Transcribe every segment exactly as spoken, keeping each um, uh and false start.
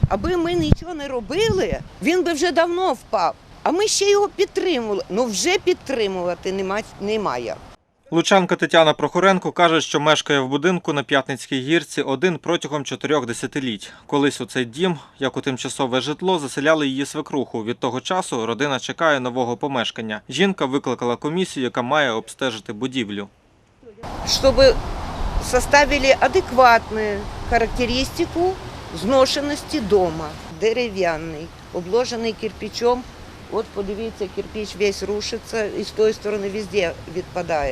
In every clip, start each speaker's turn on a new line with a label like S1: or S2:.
S1: Аби ми нічого не робили, він би вже давно впав. А ми ще його підтримували. Ну вже підтримувати немає.
S2: Лучанка Тетяна Прохоренко каже, що мешкає в будинку на П'ятницькій гірці один протягом чотирьох десятиліть. Колись у цей дім, як у тимчасове житло, заселяли її свекруху. Від того часу родина чекає нового помешкання. Жінка викликала комісію, яка має обстежити будівлю.
S1: Щоб составили адекватну характеристику зношеності дому. Дерев'яний, обложений кирпичом. От подивіться, кирпич весь рушиться і з тої сторони везде відпадає.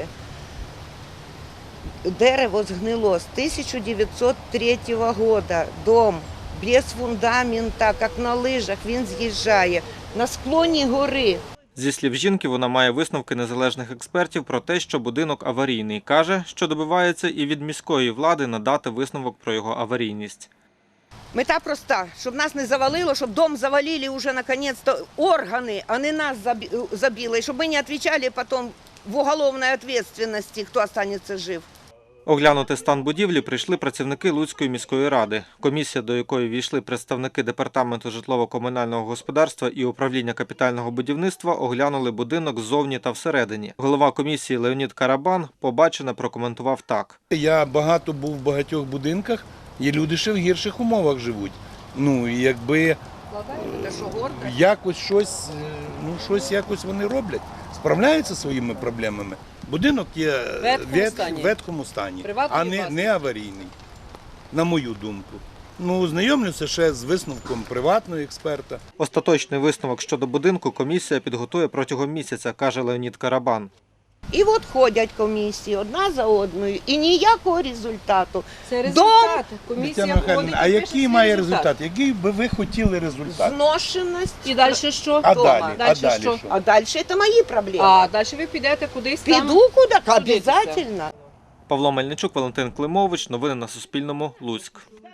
S1: Дерево згнило з тисяча дев'ятсот третього року. Дом без фундамента, як на лижах, він з'їжджає на склоні гори.
S2: Зі слів жінки, вона має висновки незалежних експертів про те, що будинок аварійний. Каже, що добивається і від міської влади надати висновок про його аварійність.
S1: Мета проста, щоб нас не завалило, щоб дом завалили вже наконец-то органи, а не нас забили, щоб ми не відповідали потім в уголовній відповідальності, хто залишиться жив.
S2: Оглянути стан будівлі прийшли працівники Луцької міської ради. Комісія, до якої війшли представники Департаменту житлово-комунального господарства і управління капітального будівництва, оглянули будинок ззовні та всередині. Голова комісії Леонід Карабан побачене прокоментував так.
S3: Я багато був в багатьох будинках, і люди ще в гірших умовах живуть. Ну, і якби якось щось, ну, щось якось вони роблять, справляються зі своїми проблемами. Будинок є в ветхому стані, а не, не аварійний, на мою думку. Ну, знайомлюся ще з висновком приватного експерта.
S2: Остаточний висновок щодо будинку комісія підготує протягом місяця, каже Леонід Карабан.
S1: І от ходять комісії одна за одною, і ніякого результату.
S4: Це результат.
S3: Комісія ходить. А який має результат? Який би ви хотіли результат?
S1: Зношеність.
S4: І далі що?
S3: А далі?
S4: Далі
S3: А далі
S4: що?
S3: що?
S1: А далі це мої проблеми.
S4: А далі ви підете кудись там?
S1: Піду куди? Обов'язково.
S2: Павло Мельничук, Валентин Климович. Новини на Суспільному. Луцьк.